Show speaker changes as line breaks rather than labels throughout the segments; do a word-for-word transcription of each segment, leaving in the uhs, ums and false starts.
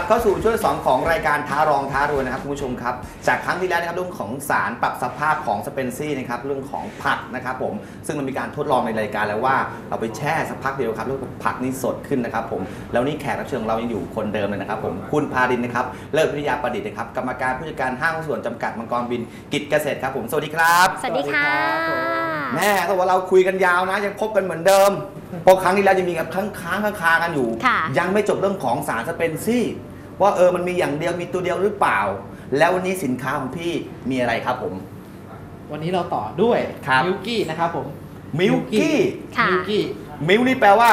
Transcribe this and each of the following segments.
เข้าสู่ช่วงสองของรายการท้ารองท้ารวยนะครับคุณผู้ชมครับจากครั้งที่แล้วนะครับเรื่องของสารปรับสภาพของสเปนซี่นะครับเรื่องของผักนะครับผมซึ่งมันมีการทดลองในรายการแล้วว่าเราไปแช่สักพักเดียวครับแล้วผักนี่สดขึ้นนะครับผมแล้วนี่แขกรับเชิญเรายังอยู่คนเดิมเลยนะครับผมคุณพาดินนะครับเลิศวิทยาประดิษฐ์นะครับกรรมการผู้จัดการห้างหุ้นส่วนจำกัดมังกรบินกิจเกษตรครับผมสวัสดีครับ
สวัสดีค่ะ
แม่ถ้าว่าเราคุยกันยาวนะยังพบกันเหมือนเดิมเพราะครั้งที่แล้วยังมีกับค้างค้างค้างกันอยู่ยังไม่จบเรื่องของสารสเปนซี่ว่าเออมันมีอย่างเดียวมีตัวเดียวหรือเปล่าแล้ววันนี้สินค้าของพี่มีอะไรครับผม
วันนี้เราต่อด้วยมิลกี้นะครับผม
มิลกี้
มิลกี้
มิลนี่แปลว่าน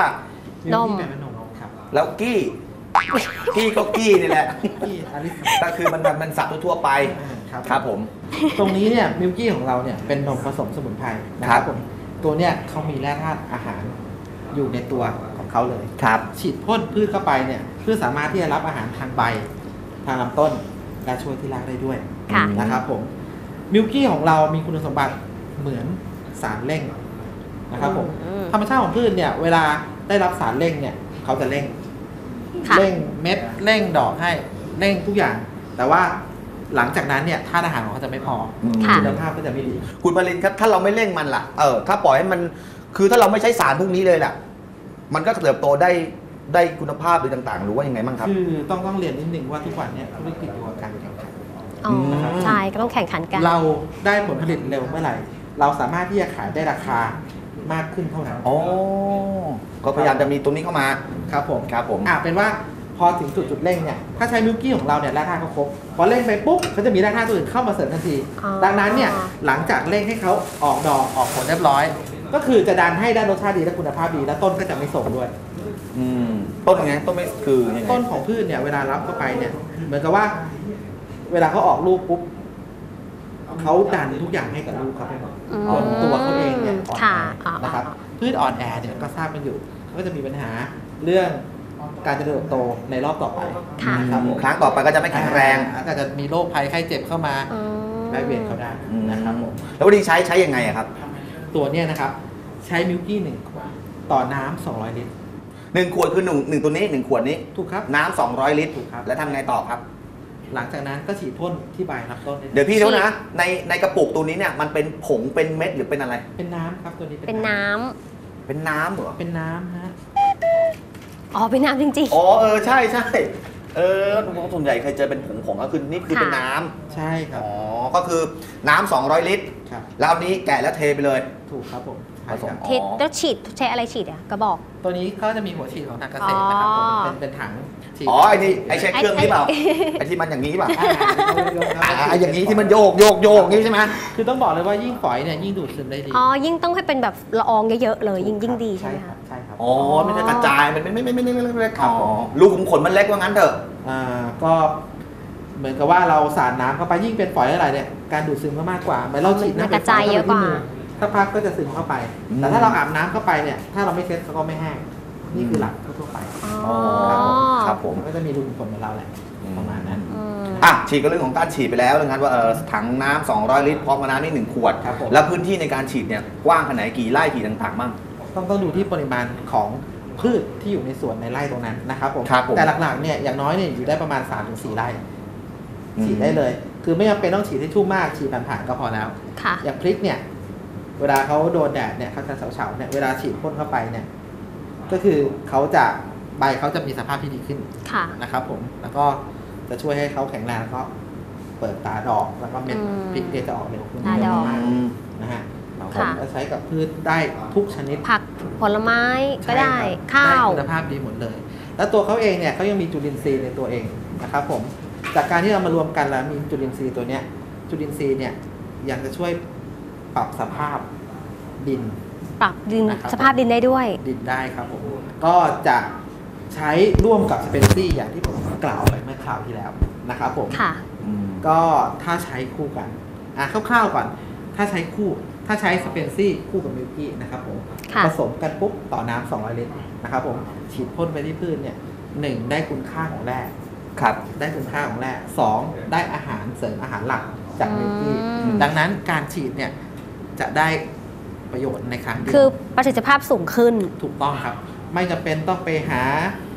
ม
แปลว่านมครับ
แล้วกี้กี้ก็กี้นี่แหละ
กี้อลิส
ก็คือมันมันสับทั่วไปครับผม
ตรงนี้เนี่ยมิลกี้ของเราเนี่ยเป็นนมผสมสมุนไพรนะครับผมตัวเนี่ยเขามีแร่ธาตุอาหารอยู่ในตัวของเขาเลย
ครับ
ฉีดพ่นพืชเข้าไปเนี่ยเพื่อสามารถที่จะรับอาหารทางใบทางลำต้นและช่วยที่รากได้ด้วยนะครับผมมิลกี้ของเรามีคุณสมบัติเหมือนสารเร่งนะครับผมธรรมชาติของพืชเนี่ยเวลาได้รับสารเร่งเนี่ยเขาจะเร่งเร่งเม็ดเร่งดอกให้เร่งทุกอย่างแต่ว่าหลังจากนั้นเนี่ยธาตุอาหารของเขาจะไม่พอคุณภาพก็จะไม่ดี
คุณปรินครับถ้าเราไม่เร่งมันล่ะเออถ้าปล่อยให้มันคือถ้าเราไม่ใช้สารพวกนี้เลยล่ะมันก็เติบโตได้ได้คุณภาพหรือต่างๆหรือว่ายังไงบ้างครับ
คือต้องต้องเรียนนิดนึงว่าทุกวันเนี่ยธุรกิจอยู่กับการแข่งขัน
ใช่ก็ต้องแข่งขันกัน
เราได้ผลผลิตเร็วเมื่อไหร่เราสามารถที่จะขายได้ราคามากขึ้นเท่านั้น
อ๋อก็พยายามจะมีตรงนี้เข้ามา
ครับผม
ครับผม
อ่าเป็นว่าพอถึงจุดจุดเร่งเนี่ยถ้าใช้มิลกี้ของเราเนี่ยแร่ธาตุเขาครบพอเร่งไปปุ๊บเขาจะมีแร่ธาตุตัวอื่นเข้ามาเสริมทันทีดังนั้นเนี่ยหลังจากเร่งให้เขาออกดอกออกผลเรียบร้อยก็คือจะดันให้ได้รสชาติดีและคุณภาพดีและต้นก็จะไม่โทรมด้วย
อืมต้นยังไงต้นไม่คือยังไง
ต้นของพืชเนี่ยเวลารับเข้าไปเนี่ยเหมือนกับว่าเวลาเขาออกลูกปุ๊บเขาดันทุกอย่างให้กับลูกเขาไปหมดตัวเขาเองเนี่ยอ่อนแอนะครับพืชอ่อนแอเนี่ยก็ทราบกันอยู่เขาก็จะมีปัญหาเรื่องการเจริญเติบโตในรอบต่อไป
นะครับครั้งต่อไปก็จะไม่แข็งแรง
ก็จะมีโรคภัยไข้เจ็บเข้ามาได้เวียนเขาได้นะครับผม
แล้ววันนี้ใช้ใช้ยังไงครับ
ตัวเนี้ยนะครับใช้มิลกี้หนึ่งขวดต่อน้ำสองร้อยลิตร
หนึ่งขวดคือหนึ่งหนึ่งตัวนี้หนึ่งขวดนี้
ถูกครับ
น้ำสองร้อยลิตรถูกครับแล้วทำไงต่อครับ
หลังจากนั้นก็ฉีดพ่นที่ใบรับต้น
เดี๋ยวพี่ดูนะในในกระปุกตัวนี้เนี่ยมันเป็นผงเป็นเม็ดหรือเป็นอะไร
เป็นน้ำครับตัวนี้
เป็นน้
ำเป็นน้ำเหรอ
เป็นน้ำฮะ
อ๋อเป็นน้ำจริง
ๆอ๋อเออใช่ใช่เออส่วนใหญ่เคยเจอเป็นผงผงก็คือนี่คือเป็นน้
ำใช่ครับ
อ๋อก็คือน้ำสองร้อยลิตรแล้วนี้แกะแล้วเทไปเลย
ถูกครับผม
ผสมแล้วฉีดใช้อะไรฉีดอ่ะกระบอก
ตัวนี้ก็จะมีหัวฉีดของทางเกษตรนะครับเป็นเป็นถัง
อ๋อไอ้นี่ไอ้ใช้เครื่องนี้เปล่าไอ้ที่มันอย่างนี้เปล่าไอ้อย่างนี้ที่มันโยกโยกโยกนี่ใช่ไหม
คือต้องบอกเลยว่ายิ่งฝอยเนี่ยยิ่งดูดซึมได้ดี
อ๋อยิ่งต้องให้เป็นแบบละอองเยอะๆเลยยิ่งยิ่งดีใช่ไหมคะ
ใช่ครับ
อ๋อไม่ใช่กระจายมันไม่ไม่ไม่ไม่ไม่ไม่ครับลูกขุมขนมันเล็กว่างั้นเถอะ
อ่าก็เหมือนกับว่าเราสาดน้ำเข้าไปยิ่งเป็นฝอยอะไรเนี่ยการดูดซึมก็มากกว่าเหมือนเราฉีดน้ำ
กระจายเยอะกว่า
ถ้าพักก็จะซึมเข้าไปแต่ถ้าเราอาบน้ำเข้าไปเนี่ยถ้าเราไม่เช็ดก็ไม่แห้งนี่คือหลักทั่วไป
ครับผม
ก็จะมีรูขุมขนเหมือนเราแหละประมาณนั้น
อ่ะฉีดก็เรื่องของการฉีดไปแล้วนะครับว่าถังน้ำสองร้อยลิตรพร้อมกับน้ำนี่หนึ่งขวดแล้วพื้นที่ในการฉีดเนี่ยกว้างขนาดไหนกี่ไร่กี่ต่างๆบ้าง
ต้องต้องดูที่ปริมาณของพืชที่อยู่ในสวนในไร่ตรงนั้นนะครับผมแต่หลักๆเนี่ยอย่างน้อยเนี่ยอยู่ได้ประมาณ สามถึงสี่ ไร่ฉีดได้เลยคือไม่จำเป็นต้องฉีดให้ชุ่มมากฉีดผ่านๆก็พอแล้วอย่างพริกเนี่ยเวลาเขาโดนแดดเนี่ยเขาจะเฉาๆเนี่ยเวลาฉีดพ่นเข้าไปเนี่ยก็คือเขาจะใบเขาจะมีสภาพที่ดีขึ้นนะครับผมแล้วก็จะช่วยให้เขาแข็งแรงแล้วก็เปิดตาดอกแล้วก็เม็ดพริกจะออกเร็วขึ้นเยอะมากนะฮะเราจะใช้กับพืชได้ทุกชนิด
ผักผลไม้ก็ได้ข้าว
คุณภาพดีหมดเลยแล้วตัวเขาเองเนี่ยเขายังมีจุลินทรีย์ในตัวเองนะครับผมจากการที่เรามารวมกันแล้วมีจุลินทรีย์ตัวเนี้ยจุลินทรีย์เนี่ยยังจะช่วยปรับสภาพดิน
ปรับดินสภาพดินได้ด้วย
ดินได้ครับผมก็จะใช้ร่วมกับสเปนซี่อย่างที่ผมกล่าวไปเมื่อคราวที่แล้วนะครับผม
ค่ะ
ก็ถ้าใช้คู่กันอ่ะคร่าวๆก่อนถ้าใช้คู่ถ้าใช้สเปนซี่คู่กับมิลกี้นะครับผมผสมกันปุ๊บต่อน้ำสองร้อยลิตรนะครับผมฉีดพ่นไปที่พืชเนี่ยหนึ่งได้คุณค่าของแร่
ครับ
ได้คุณค่าของแร่สองได้อาหารเสริมอาหารหลักจากมิลกี้ดังนั้นการฉีดเนี่ยจะได้ประโยชน์ในครั้งเดียว
คือประสิทธิภาพสูงขึ้น
ถูกต้องครับไม่จำเป็นต้องไปหา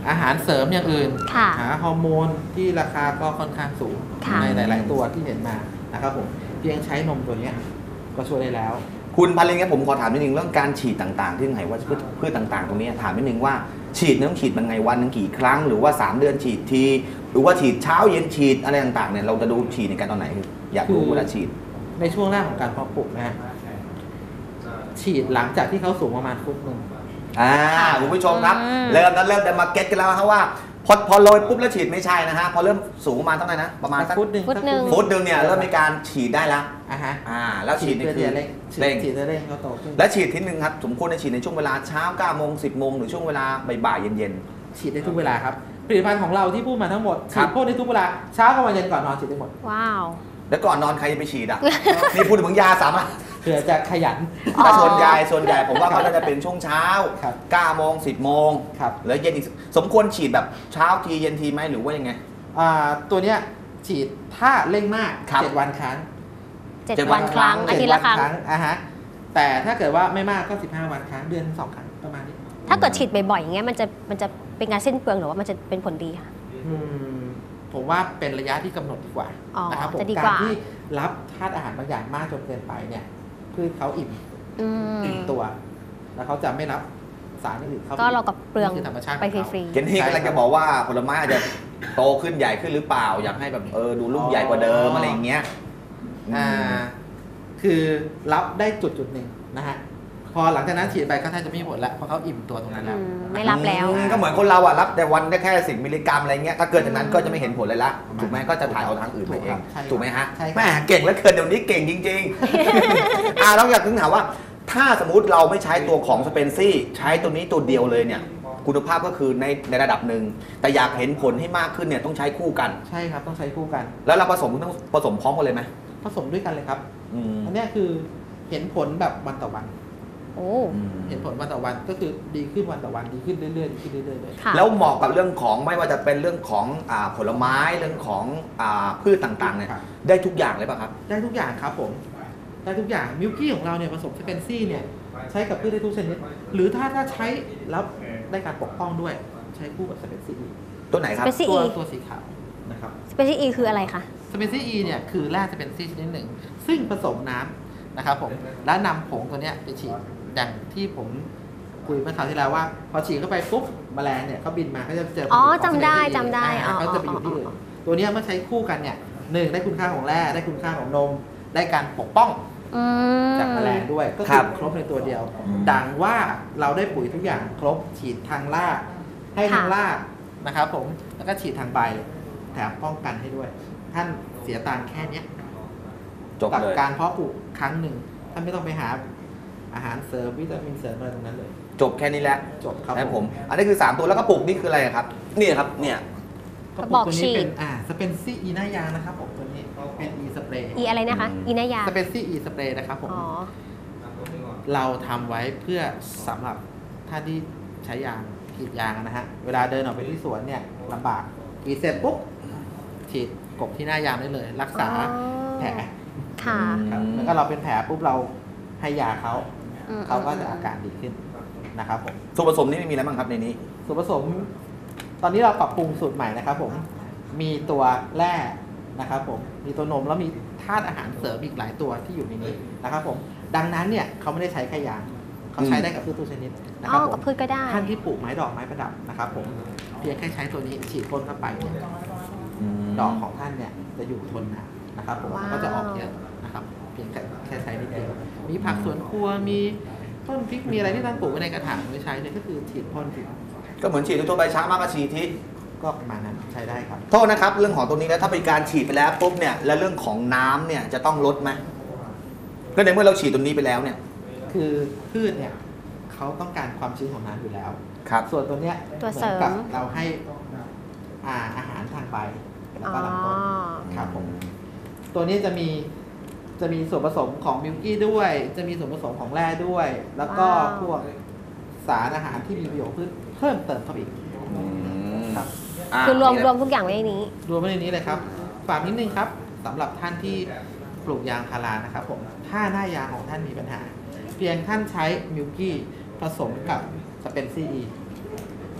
อาหารเสริมอย่างอื่น
ค่ะ
หาฮอร์โมนที่ราคาก็ค่อนข้างสูง
ค่ะ
ในหลาย ๆ ตัวที่เห็นมานะครับผมเพียงใช้นมตัวเนี้ยก็ช่วยได้แล้ว
คุณพันลิงครับผมขอถามนิดนึงเรื่องการฉีดต่างๆ ที่ไหนว่าพืชพืชต่างๆ ตรงนี้ถามนิดนึงว่าฉีดเนี่ยต้องฉีดมันไงวันหนึงกี่ครั้งหรือว่าสามเดือนฉีดทีหรือว่าฉีดเช้าเย็นฉีดอะไรต่างๆเนี่ยเราจะดูฉีดในการตอนไหนอยากรู้เวลาฉีด
ในช่วงแรกของการเพาะปลูกนะฮะฉีดหลังจากที่เขาสูงประมาณฟุตหนึ่ง
อ่าคุณผู้ชมครับ
อืม
เริ่มนั้นเริ่มจะมาเก็ตกันแล้วครับว่าพอพอโรยปุ๊บแล้วฉีดไม่ใช่นะฮะพอเริ่มสูงประมาณเท่าไหร่นะประมาณสัก
ฟุตหนึ่ง
ฟุตหนึ่ง
ฟุตหนึ่งเนี่ยเริ่มมีการฉีดได้แล้ว
อ่ะฮะ
อ่าแล้วฉีดนี่
เพื่อ
คื
ที่
อ
จะเร่ง
เร่ง
ฉีดเพื่อเร่งเขาโตขึ้น
และฉีดทีนึงครับสมควรจะฉีดในช่วงเวลาเช้าเก้าโมงสิบโมงหรือช่วงเวลาบ่ายๆเย็น
ฉีดได้ทุกเวลาครับผลิตภัณฑ์ของเราที่พูดมาทั้งหมด
ครั
ฉี
บ
ดพ่นได้ทุกเวลาเช้ากับวันเย็นก่อนนอนฉีดได้หมด
ว้าว
ๆแล้วก่อนนอนใครจะไปฉีดอ่ะ นี่พูดถึงยาสามารถ
เพื่อจะขยัน
อ๋อ
แต่ส่วนใหญ่ส่วนใหญ่ผมว่าเขาจะเป็นช่วงเช้า
ครับ
เก้าโมงสิบโมง
ครับ
แล้วเย็นอีกสมควรฉีดแบบเช้าทีเย็นทีไหมหรือว่ายังไง
อ่าตัวเนี้ยฉีดถ้าเร่งมาก
ครับ
เจ็ดวันครั้ง
เจ็ด
เจ็ดวั
วัน นครั้ง
ครั้ง
อาทิตย์ละครั้ง
เจ็ดวันอ่ะฮะแต่ถ้าเกิดว่าไม่มากก็สิบห้าวันครั้งเดือนสองครั้งประมาณนี้
ถ้าเกิดฉีดบ่อยๆอย่างเงี้ยมันจะมันจะเป็นการสิ้นเปลืองหรือว่ามันจะเป็นผลดีคะ
อืมผมว่าเป็นระยะที่กำหนดดีกว่า
อ๋อ
นะครับผม
จะดีก
กา
ว่า
รที่รับธาตุอาหารบางอย่างมากจนเกินไปเนี่ยพืชเขาอิ่ม
อืม
อิ่มตัว แล้วเขาจะไม่รับสารอื่นเข้าไป
ก็เรากับเปลือง
นี่คือธรรมชาติ
ไป
ของ
ฟ
เขา
รี
เกนที่กำลังจะบอกว่าผลไม้อาจจะโตขึ้นใหญ่ขึ้นหรือเปล่า อยากให้แบบเออดูลูกใหญ่กว่าเดิมอะไรอย่างเงี้ย
อ่าคือรับได้จุดจุดหนึ่งนะฮะพอหลังจากนั้นฉีดไปก็แทบจะไม่มีผลแล้วเพราะเขาอิ่มตัวตรงนั้น
ๆ
แล้ว
อืมไม่รับแล้ว
อืมก็เหมือนคนเราอ่ะรับแต่วันได้แค่สิบมิลลิกรัมอะไรเงี้ยถ้าเกินจากนั้นก็จะไม่เห็นผลเลยละถูกไหมก็จะถ่ายเอาทางอื่นไปเอง
ใช่ครับ
ถูกไหมฮะ
ใช่ครับ
แม่เก่งแล้วเกินเดี๋ยวนี้เก่งจริงๆ อ่าเราอยากถึงถามว่า ถ้าสมมติเราไม่ใช้ตัวของสเปนซี่ใช้ตัวนี้ตัวเดียวเลยเนี่ยคุณภาพก็คือในในระดับหนึ่งแต่อยากเห็นผลให้มากขึ้นเนี่ยต้องใช้คู่กัน
ใช่ครับต้องใช้คู่กัน
แล้วเราผสมต้องผสมพร้อมกันเลยไหม
ผสมด้วยกันเลยครับ
อืม
อันเนี้ยคือเห็นผลแบบวันต่อวัน
โอ้
อืม
เห็นผลวันต่อวันก็คือดีขึ้นวันต่อวันดีขึ้นเรื่อยๆดีขึ้นเรื่อยๆเลย
ค่ะ
แล้วเหมาะกับเรื่องของไม่ว่าจะเป็นเรื่องของอ่าผลไม้เรื่องของอ่าพืชต่างๆเนี่ย
ครับ
ได้ทุกอย่างเลยป่ะครับ
ได้ทุกอย่างครับผมได้ทุกอย่างมิลกี้ของเราเนี่ยผสมสเปนซี่เนี่ยใช้กับพืชได้ทุกชนิดหรือถ้าถ้าใช้แล้วได้การปกป้องด้วยใช้คู่กับสเปนซี่
ตัวไหนครับ
Specie
ตัว
E
ตัวสีขาวนะครับ
สเปเชียลอีคืออะไรคะ
สเปนซี่ E เนี่ยคือแร่สเปนซี่ชนิดหนึ่ง ซึ่งผสมน้ำนะครับผมแล้วนำผงตัวเนี้ยไปฉีดอย่างที่ผมคุยเมื่อคราวที่แล้วว่า พอฉีดเข้าไปปุ๊บแมลงเนี่ยเขาบินมาเขาจะเจอ
อ๋อ
ผงของ
จำได้
Specie E
จำได้
อ่า
อ๋อ
เขาจะไปอยู่ที่อื่น
อ๋อ
ตัวเนี้ยเมื่อใช้คู่กันเนี่ยหนึ่งได้คุณค่าของแร่ได้คุณค่าของนม ได้การปกป้อง
อืม
จากแมลงด้วยก็
ครั
คือบ ครบในตัวเดียว ดังว่าเราได้ปุ๋ยทุกอย่างครบฉีดทางรากให้ทางรากนะครับผมแล้วก็ฉีดทางใบแถมป้องกันให้ด้วย ท่านเสียตังค์แค่เนี้ย
จบ
กับ
เลย
การเพาะปลูกครั้งหนึ่งท่านไม่ต้องไปหาอาหารเสริมวิตามินเสริมอะไรตรงนั้นเลย
จบแค่นี้แหละ
จบครับ
นะผม อันนี้คือสามตัวแล้วก็ปลูกนี่คืออะไรครับเนี่ยครับเนี่ย
กระ
บ
ปุ
อก ก
ตัว
ฉี
นี้
ด
เป็นอ่าสเปนซี่อีหน้ายางนะครับผมตัวนี้เป็นอีสเปรย์
อีอะไรนะคะ อีนายา
สเปนซี่อีสเปรย์นะครับผม
อ๋อ
เราทำไว้เพื่อสำหรับท่านที่ใช้ยางกรีดยางนะฮะ เวลาเดินออกไปที่สวนเนี่ยลำบากกรีดเสร็จปุ๊บฉีดกบที่หน้ายางได้เลย รักษา
อ๋อ
แผล
ค่ะ
ครับแล้วก็เราเป็นแผลปุ๊บเราให้ยาเขา
อืม
เขาก็จะอาการดีขึ้นนะครับผม
ส่วนผสมนี่มีอะไรบ้างครับในนี้
ส่วนผสม ตอนนี้เราปรับปรุงสูตรใหม่นะครับผมมีตัวแร่นะครับผมมีตัวนมแล้วมีธาตุอาหารเสริมอีกหลายตัวที่อยู่ในนี้นะครับผมดังนั้นเนี่ยเขาไม่ได้ใช้แค่ยางเขาใช้ได้กับพืชทุกชนิดนะค
อ๋
รั
อบ
ผ
กับ
ม
พืชก็ได้
ท่านที่ปลูกไม้ดอกไม้ประดับนะครับผมเพียงแค่ใช้ตัวนี้ฉีดพ่นเข้าไปเนี่ยดอกของท่านเนี่ยจะอยู่ทนนานนะครับผม
ว้าว
ก็จะออกเยอะนะครับเพียงแค่แค่ใช้นิดเดียวมีผักสวนครัวมีต้นพริกมีอะไรที่ท่านปลูกไว้ในกระถางไม่ใช้เลยก็คือฉีดพ่นผิว
ก็เหมือนฉีดทั่วๆไปช้ามากก็ฉีดที
ก็ประมาณนั้นใช้ได้ครับ
โทษนะครับเรื่องของตรงนี้แล้วถ้าเป็นการฉีดไปแล้วปุ๊บเนี่ยแล้วเรื่องของน้ำเนี่ยจะต้องลดไหมก็ในเมื่อเราฉีดตรงนี้ไปแล้วเนี่ย
คือพืชเนี่ยเขาต้องการความชื้นของน้ำอยู่แล้ว
ครับ
ส่วนตัวเนี้ย
ตัว
เหมื
เสริ
อน
ม
กับเราให้อ่าอาหารทางใบแล้ว
อ๋
ก็
อ
ลำต้นครับผมตัวนี้จะมีจะมีส่วนผสมของมิลกี้ด้วย จะมีส่วนผสมของแร่ด้วย แล้วก็
ว้าว
พวกสารอาหารที่มีประโยชน์พืชเพิ่มเติมเข้าไปอีก ครับ
า
คือรวม
นี่
รวมทุกอย่างไว้ในนี้
รวมไว้ในนี้เลยครับฝากนิดนึงครับสำหรับท่านที่ปลูกยางพารานะครับผมถ้าหน้ายางของท่านมีปัญหา เพียงท่านใช้มิลกี้ผสมกับสเปนซี่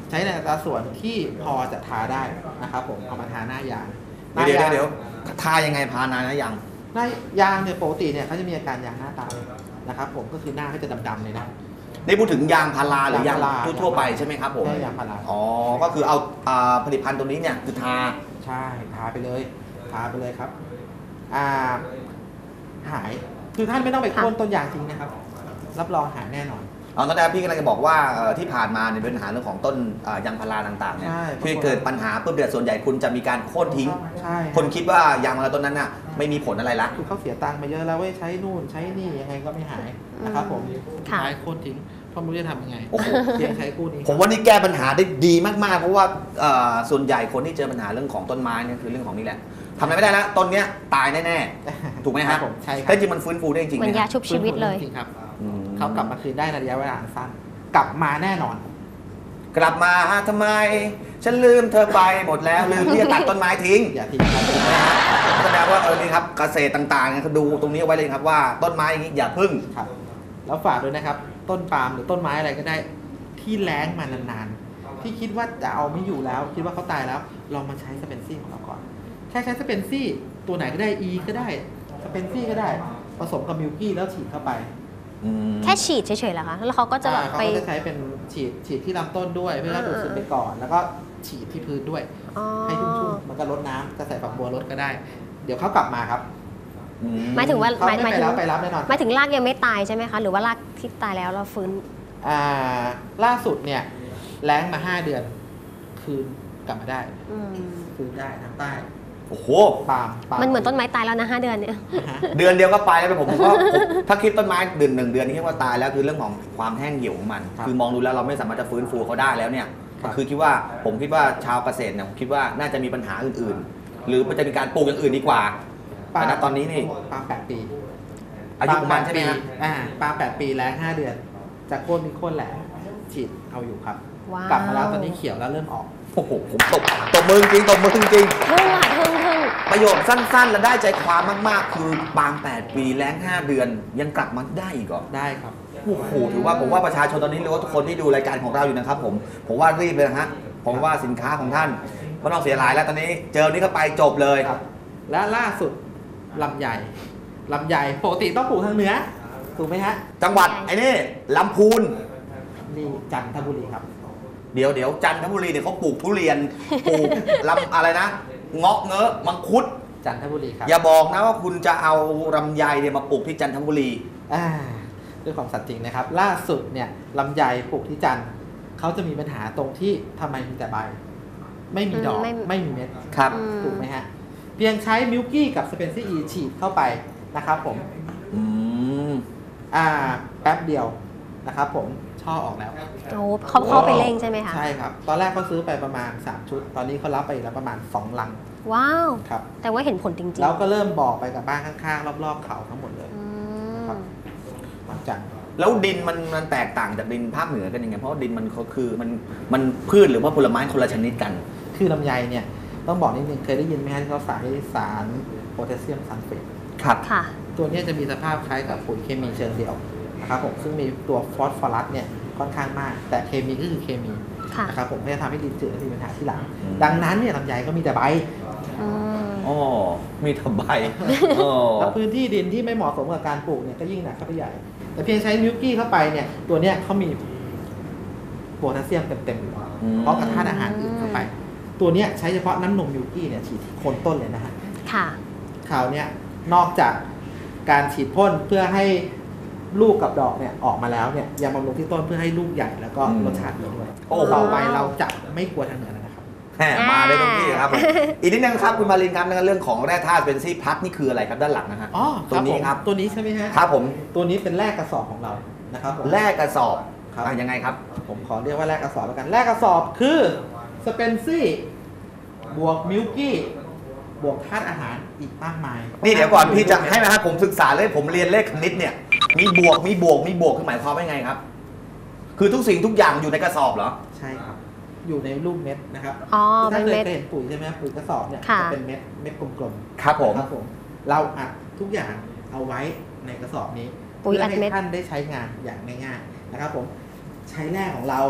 ใช้ในอัตราส่วนที่พอจะทาได้นะครับผมเอามาทาหน้ายาง
เดี๋ยวเดี๋ยวเดี๋ยวทายังไงพานานนะยัง
หน้ายางเนี่ยปกติเนี่ยเขาจะมีอาการยางหน้าตายนะครับผมก็คือหน้าเขาจะดำๆเลยนะ
นี่พูดถึงยางพาราหรือยางทั่วไปใช่ไหมครับผม
ใช่ยางพารา
อ๋อก็คือเอาผลิตภัณฑ์ตัวนี้เนี่ยคือทา
ใช่ทาไปเลยทาไปเลยครับอ่าหายคือท่านไม่ต้องไปโค่นต้นยางจริงนะครับรับรองหายแน่นอน
เอาตอนแรกพี่กำลังจะบอกว่าที่ผ่านมาเนี่ยเป็นปัญหาเรื่องของต้นยางพาราต่างๆเนี่ยที่เกิดปัญหาปุ๊บเดือดส่วนใหญ่คุณจะมีการโค่นทิ้งคนคิดว่ายางพาราต้นนั้นน่ะไม่มีผลอะไรละ
คือเขาเสียตังค์มาเยอะแล้วเว้ยใช้นู่นใช้นี่ยังไงก็ไม่หายนะครับผมใช้โค่นทิ้งเพราะไม่รู้จะทำยังไงเพียงใช้คู่นี้
ผมว่านี่แก้ปัญหาได้ดีมากๆเพราะว่าส่วนใหญ่คนที่เจอปัญหาเรื่องของต้นไม้เนี่ยคือเรื่องของนี่แหละทำอะไรไม่ได้แล้วต้นเนี้ยตายแน่ๆถูกไหมครับ
ใช่ครับ
แต่จริงมันฟื้นฟูได้จริง
เหมือนยาชุบชีวิตเลย
จริงครับเขากลับมาคืนได้ในระยะเวลาสั้นกลับมาแน่นอน
กลับมาทำไมฉันลืมเธอไปหมดแล้วลืมที่จะตัดต้นไม้ทิ้ง
อย่าทิ้งครับ
นะฮะแสดงว่าเออนี่ครับเกษตรต่างๆเนี่ยดูตรงนี้ไว้เลยครับว่าต้นไม้อย่างนี้อย่าพึ่ง
ครับแล้วฝากด้วยนะครับต้นปาล์มหรือต้นไม้อะไรก็ได้ที่แล้งมานานๆที่คิดว่าจะเอาไม่อยู่แล้วคิดว่าเขาตายแล้วลองมาใช้สเปนซี่ของเราก่อนแค่ใช้สเปนซี่ตัวไหนก็ได้ E ก็ได้สเปนซี่ก็ได้ผสมกับมิลกี้แล้วฉีดเข้าไป
แค่ฉีดเฉยๆเหรอคะแล้วเขาก็จะ
ไปเขาจะใช้เป็นฉีดฉีดที่ลำต้นด้วยเพื่อดูดซึมไปก่อนแล้วก็ฉีดที่พื้นด้วยให้ชุ่มๆมันก็ลดน้ำจะใส่ฝักบัวลดก็ได้เดี๋ยวเขากลับมาครับ
หมายถึงว่า
หมายถึงไปรับไปรับแน่นอน
หมายถึงรากยังไม่ตายใช่ไหมคะหรือว่ารากที่ตายแล้วเราฟื้น
อ่าล่าสุดเนี่ยแล้งมาห้าเดือนคืนกลับมาได้คืนได้ทางใต้
โอ้โห
ปาล์ม
มันเหมือนต้นไม้ตายแล้วนะห้าเดือนเนี่ย
เดือนเดียวก็ไปแล้วผมว่าถ้าคิดต้นไม้เดือนหนึ่งเดือนนี่แค่ว่าตายแล้วคือเรื่องของความแห้งเหี่ยวของมันคือมองดูแล้วเราไม่สามารถจะฟื้นฟูเขาได้แล้วเนี่ยคือคิดว่าผมคิดว่าชาวเกษตรเนี่ยคิดว่าน่าจะมีปัญหาอื่นๆหรือมันจะมีการปลูกอย่างอื่นดีกว่าแต่ณตอนนี้นี่
ปาล์มแปดปี
อายุประมาณใช่ไหมครับ
อ่าปาล์มแปดปีแล้วห้าเดือนจากโค่นมีโค่นแหละฉีดเอาอยู่ครับกลับมาแล้วตอนนี้เขียวแล้วเริ่มออก
โอ้โหผมตบตบมือจริงตบมือจริง
ทึ่งอ่ะทึ่งทึ่ง
ประโยคสั้นๆและได้ใจความมากๆคือปาล์มแปดปีแล้งห้าเดือนยังกลับมาได้อีกเหรอ
ได้ครับ
โอ้โหถือว่าผมว่าประชาชนตอนนี้หรือว่าทุกคนที่ดูรายการของเราอยู่นะครับผมผมว่ารีบเลยนะฮะผมว่าสินค้าของท่านไม่ต้องเสียหลายแล้วตอนนี้เจอนี้ก็ไปจบเลย
และล่าสุดลำไยลำไยปกติต้องปลูกทางเหนือถูกไหมฮะ
จังหวัดไอ้นี่ลำพูน
นี่จันทบุรีครับ
เดี๋ยวเดี๋ยวจันทบุรีเนี่ยเขาปลูกทุเรียนปลูกลำอะไรนะเงาะเงอะมังคุด
จันทบุรีครับ
อย่าบอกนะว่าคุณจะเอาลำไยเนี่ยมาปลูกที่จันทบุรี
อ่าด้วยความสัตย์จริงนะครับล่าสุดเนี่ยลำไยปลูกที่จันทร์เขาจะมีปัญหาตรงที่ทำไมมีแต่ใบไม่มีดอกไม่มีเม็ด
ครับ
ถูกไหมฮะเพียงใช้มิลกี้กับสเปนซี่อีฉีดเข้าไปนะครับผม
อืม
อ่าแป๊บเดียวนะครับผมช่อออกแล้ว
โอ้เขาเข้าไปเร่งใช่ไหมคะ
ใช่ครับตอนแรกเขาซื้อไปประมาณสามชุดตอนนี้เขารับไปแล้วประมาณสองลัง
ว้าว
ครับ
แต่ว่าเห็นผลจริงๆ
แล้วก็เริ่มบอกไปกับบ้านข้างๆรอบๆเขาทั้งหมดเลยครับหลังจาก
แล้วดินมันมันแตกต่างจากดินภาคเหนือกันยังไงเพราะดินมันเขาคือมันมันพืชหรือว่าผลไม้คนละชนิดกัน
คือลำไยเนี่ยต้องบอกนิดนึงเคยได้ยินไหมฮะที่เขาใส่สารโพแทสเซียมซัลเฟต
ครับ
ค่ะ
ตัวนี้จะมีสภาพคล้ายกับปุ๋ยเคมีเชิงเดี่ยวนะครับผมซึ่งมีตัวฟอสฟอรัสเนี่ยค่อนข้างมากแต่เคมีก็คือเคมีนะครับผมไม่ได้ทำให้ดินจืดและมีปัญหาที่หลังดังนั้นเนี่ยลำไยก็มีแต่ใบ
อ๋อมีแต่ใบ
แล้วพื้นที่ดินที่ไม่เหมาะสมกับการปลูกเนี่ยก็ยิ่งหนักเข้าไปใหญ่แต่เพียงใช้มิลกี้เข้าไปเนี่ยตัวเนี้ยเขามีโพแทสเซียมเต็มๆอยู่เพราะกระธาตุอาหารอื่นเข้าไปตัวเนี้ยใช้เฉพาะน้ำนมมิลกี้เนี่ยฉีดที่โคนต้นเลยนะฮะ
ค่ะ
ข่าวเนี้ยนอกจากการฉีดพ่นเพื่อให้ลูกกับดอกเนี่ยออกมาแล้วเนี่ยยังบำรุงที่ต้นเพื่อให้ลูกใหญ่แล้วก็รสชาติดีด้วยโอ้ต่อไปเราจะไม่กลัวทางเหนือนะครับ
มาได้ตรงที่ครับอีกนิดนึงครับคุณมารินครับเรื่องของแร่ธาตุเป็นซี่พลัสนี่คืออะไรครับด้านหลังนะฮะ
อ๋อ
ตัวนี้ครับ
ตัวนี้ใช่ไหมฮะ
ครับผม
ตัวนี้เป็นแร่กระสอบของเรานะครับ
แร่กระสอบครับยังไงครับ
ผมขอเรียกว่าแร่กระสอบแล้วกันแร่กระสอบคือสเปนซี่บวกมิลกี้บวกธาตุอาหารอีกมากมาย
นี่เดี๋ยวก่อนพี่จะให้นะครับผมศึกษาเลยผมเรียนเลขคณิตเนี่ยมีบวกมีบวกมีบวกคือหมายความว่าไงครับคือทุกสิ่งทุกอย่างอยู่ในกระสอบเหรอ
ใช่ครับอยู่ในรูปเม็ดนะครับ
อ๋อ
ถ้าเคย
เ
เห็นปุ๋ยใช่ไหมปุ๋ยกระสอบเนี่ยจะเป็นเม็ดเม็ดกลม
ๆครับผม
ครับผมเราอัดทุกอย่างเอาไว้ในกระสอบนี้
เพื่อ
ให้ท่านได้ใช้งานอย่างง่ายๆนะครับผมใช้แร่ของเรา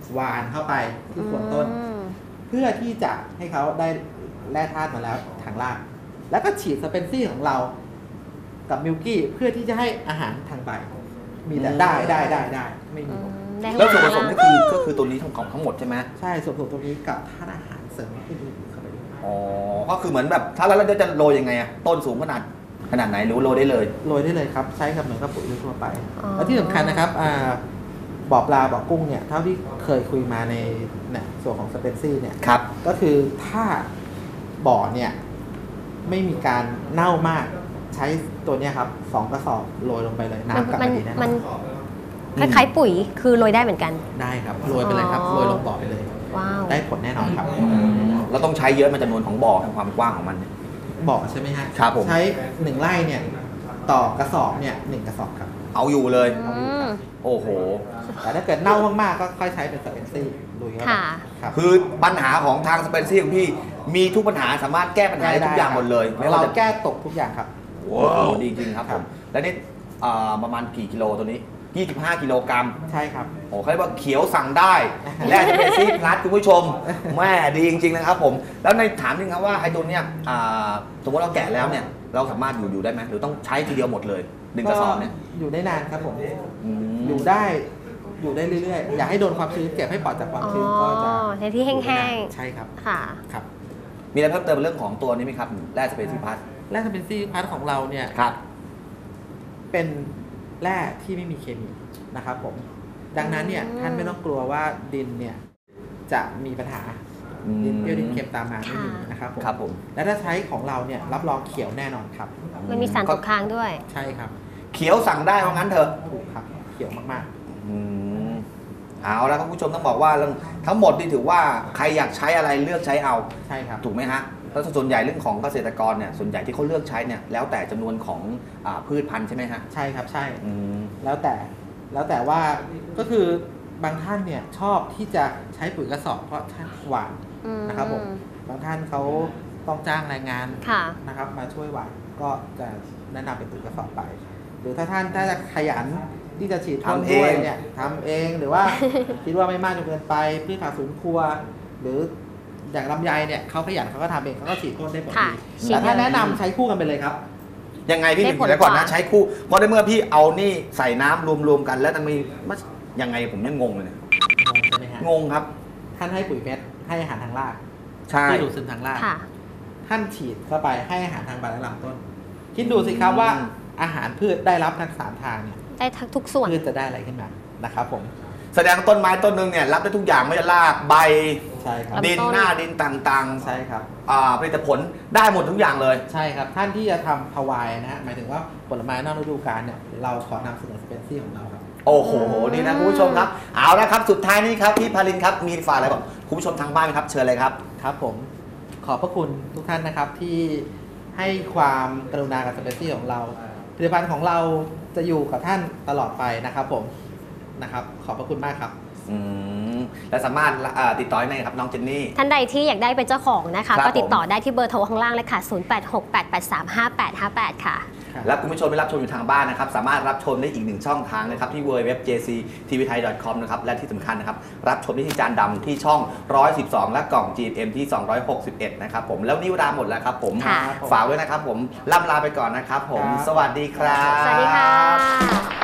หวานเข้าไปที่โคนต้น
อืม
เพื่อที่จะให้เขาได้แร่ธาตุมาแล้วทางรากแล้วก็ฉีดสเปนซี่ของเรากับมิลกี้เพื่อที่จะให้อาหารทางใบมีแต่ได้ได้ได้ได้ไม่มีหมด
ได้
แล้วส่วนผสมนี่คือก็คือตัวนี้ทั้งของทั้งหมดใช่ไหม
ใช่ส่วนผสมตรงนี้กับธาตุอาหารเสริมอื่นๆเข้าไปด้วย
อ๋อก็คือเหมือนแบบถ้าแล้วเราจะโรยยังไงอะต้นสูงขนาดขนาดไหนหรือโรยได้เลย
โรยได้เลยครับใช้กับเหมือนกับปุ๋ยทั่วไป
อ๋อ
แล้วที่สำคัญนะครับอ่าบ่อปลาบ่อกุ้งเนี่ยเท่าที่เคยคุยมาในเนี่ยส่วนของสเปนซี่เนี่ย
ครับ
ก็คือถ้าบ่อเนี่ยไม่มีการเน่ามากใช้ตัวเนี้ยครับสองกระสอบโรยลงไปเลยน้ำกลับ
มั
มาน ดีแน่น
มั
อน น
คล้ายๆปุ๋ยคือโรยได้เหมือนกัน
ได้ครับโรยไปเลยครับ
อ๋อ
โรยลงบ่อไปเลย
ว้าว
ได้ผลแน่นอนครับ
เราต้องใช้เยอะมันจำนวนของบ่อในความกว้างของมันเนี่ย
บ่อใช่ไหมฮะ
ครับผม
ใช้หนึ่งไร่เนี่ยต่อกระสอบเนี่ยหนึ่งกระสอบครับ
เอาอยู่เลย
อืม
โอ้โห
แต่ถ้าเกิดเน่ามากๆก็ค่อยใช้เป็นสเปนซี่ลุยเข้าไป
ค่ะ
ครับ
คือปัญหาของทางสเปนซี่ของพี่มีทุกปัญหาสามารถแก้ปัญหาได้ทุกอย่างหมดเลยไม่
เรา
ว่าจะ
แก้ตกทุกอย่างครับ
ว้าวดีจริงครับ
ค
ผ
รับ
มแล้วนี่อ่าประมาณกี่กิโลตัวนี้ ยี่สิบห้า กิโลกรัม
ใช่ครับ
โอ้เขาเรียกว่าเขียวสั่งได้และสเปนซี่พลัสคุณผู้ชมแม่ดีจริงๆนะครับผมแล้วในถามจริงครับว่าไอ้ตัวเนี้ยอ่าสมมติเราแกะแล้วเนี่ยเราสามารถอยู่อยู่ได้ไหมหรือต้องใช้ทีเดียวหมดเลยหนึ่งกระสอบเนี่ย
อยู่ได้นานครับผม
อืม
อยู่ได้อยู่ได้เรื่อยๆ อยากให้โดนความชื้นเก็บให้ปลอดจากความ
อ๋อ
ชื้นก็จะ
ในที่แห้ง
ใช่ครับ
ๆ ค่ะ
ครับ
มีอะไรเพิ่มเติมเรื่องของตัวนี้ไหมครับแร่สเปนซี่พลัส
แร่สเปนซี่พาร์ทของเราเนี่ย
ครับ
เป็นแร่ที่ไม่มีเคมีนะครับผม ดังนั้นเนี่ย
อืม
ท่านไม่ต้องกลัวว่าดินเนี่ยจะมีปัญหา
อืม
ดินเปรี้ยวดินเค็มตามมาไม่มีนะครับผม
ครับผม
และถ้าใช้ของเราเนี่ยรับรองเขียวแน่นอนครับ
มันมีสารตกค้างด้วย
ใช่ครับ
เขียวสั่งได้เพราะงั้นเถอะ
ถูกครับเขียวมาก
อืมเอาแล้วครับคุณผู้ชมต้องบอกว่าเรื่องทั้งหมดนี่ถือว่าใครอยากใช้อะไรเลือกใช้เอา
ๆ ใช่ครับ
ถูกไหมฮะแล้วส่วนใหญ่เรื่องของเกษตรกรเนี่ยส่วนใหญ่ที่เขาเลือกใช้เนี่ยแล้วแต่จำนวนของอาพืชพันธุ์ใช่ไหมฮะ
ใช่ครับใช่
อืม
แล้วแต่แล้วแต่ว่าก็คือบางท่านเนี่ยชอบที่จะใช้ปุ๋ยกระสอบเพราะท่านหวาน
อืม
นะครับผมบางท่านเขาต้องจ้างแรงงาน
ค่ะ
นะครับมาช่วยหวานก็จะแนะนำเป็นปุ๋ยกระสอบไป หรือถ้าท่านถ้าจะขยันที่จะฉีดพ่นด้วยเนี่ยทำเองหรือว่า คิดว่าไม่มากจนเกินไปพืชผักสวนครัว หรืออย่างลำไยเนี่ยเขาขยันเขาก็ทำเองเขาก็ฉีดพ่นได้ผล
ค่ะ
ดี
ฉีด
แต่ถ้า
เลย
แนะนำใช้คู่กันไปเลยครับ
ยังไงพี่
ได้
ถึง
ผล
แล้วก่อน
ก
นะ
ว่า
ใช้คู่เพราะในเมื่อพี่เอานี่ใส่น้ำรวมๆกันแล้วมันมีมันยังไงผมยังงงเลยเนี่ย
ใช่ไหมฮะ
งงครับ
ท่านให้ปุ๋ยเม็ดให้อาหารทางราก
ใช่
ที่ดูดซึมทางราก
ค่ะ
ท่านฉีดเข้าไปให้อาหารทางใบและลำต้น คิดดูสิครับว่าอาหารพืชได้รับทั้งสามทางเนี่ย
ได้ทั้งทุกส่วน
พืชจะได้อะไรขึ้นมานะครับผม
แสดงต้นไม้ต้นหนึงเนี่ยรับได้ทุกอย่างไม่ว่าจะรากใบ
ใช่ครับ
ลำต้น
ดินหน้าดินต่าง
ใช่ครับ
ๆอ่าผลิตผลได้หมดทุกอย่างเลย
ใช่ครับ ท่านที่จะทำพาวายนะฮะหมายถึงว่าผลไม้นอกฤดูกาลเนี่ยเราขอนำเสนอสเปนซี่ของเราครับ
โอ้โหดีนะคุณผู้ชมครับเอาละครับสุดท้ายนี้ครับพี่พาลินครับมีฝากอะไรบอกคุณผู้ชมทางบ้านไหมครับเชิญเลยครับ
ครับผมขอบพระคุณทุกท่านนะครับที่ให้ความกรุณากับสเปนซี่ของเราผลิตภัณฑ์ของเราจะอยู่กับท่านตลอดไปนะครับผมนะครับขอบพระคุณมากครับ
อืมและสามารถเอ่อติดต่อได้ไหนครับน้องเจนนี่
ท่านใดที่อยากได้เป็นเจ้าของนะคะ
ครับ
ก็ติดต่อได้ที่เบอร์โทรข้างล่างเลยค่ะ ศูนย์ แปด หก แปด แปด สาม ห้า แปด ห้า แปด ค่ะ
และคุณผู้ชมที่รับชมอยู่ทางบ้านนะครับสามารถรับชมได้อีกหนึ่งช่องทางนะครับที่ ดับเบิลยู ดับเบิลยู ดับเบิลยู ดอท เจ ซี ที วี ไทย ดอท คอม นะครับและที่สำคัญนะครับรับชมได้ที่จานดำที่ช่องหนึ่งร้อยสิบสองและกล่อง จี เอ็ม ที่สองร้อยหกสิบเอ็ดนะครับผมแล้วนี่เวลาหมดแล้วครับผม
ค่ะ
ฝากด้วยนะครับผมล่ำลาไปก่อนนะครับผม
ครับ
สวัสดีครับ
สวัสดีค่ะ